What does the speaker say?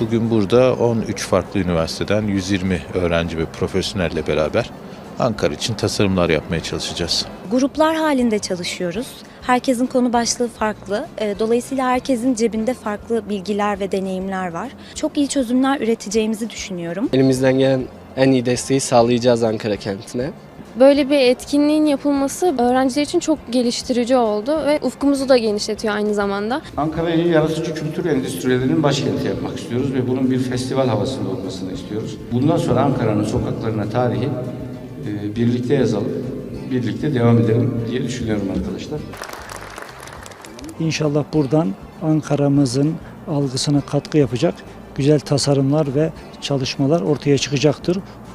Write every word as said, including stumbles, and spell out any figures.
Bugün burada on üç farklı üniversiteden yüz yirmi öğrenci ve profesyonelle beraber Ankara için tasarımlar yapmaya çalışacağız. Gruplar halinde çalışıyoruz. Herkesin konu başlığı farklı. Dolayısıyla herkesin cebinde farklı bilgiler ve deneyimler var. Çok iyi çözümler üreteceğimizi düşünüyorum. Elimizden gelen en iyi desteği sağlayacağız Ankara kentine. Böyle bir etkinliğin yapılması öğrenciler için çok geliştirici oldu ve ufkumuzu da genişletiyor aynı zamanda. Ankara'yı yaratıcı kültür endüstrilerinin başkenti yapmak istiyoruz ve bunun bir festival havasında olmasını istiyoruz. Bundan sonra Ankara'nın sokaklarına tarihi e, birlikte yazalım, birlikte devam edelim diye düşünüyorum arkadaşlar. İnşallah buradan Ankara'mızın algısına katkı yapacak güzel tasarımlar ve çalışmalar ortaya çıkacaktır.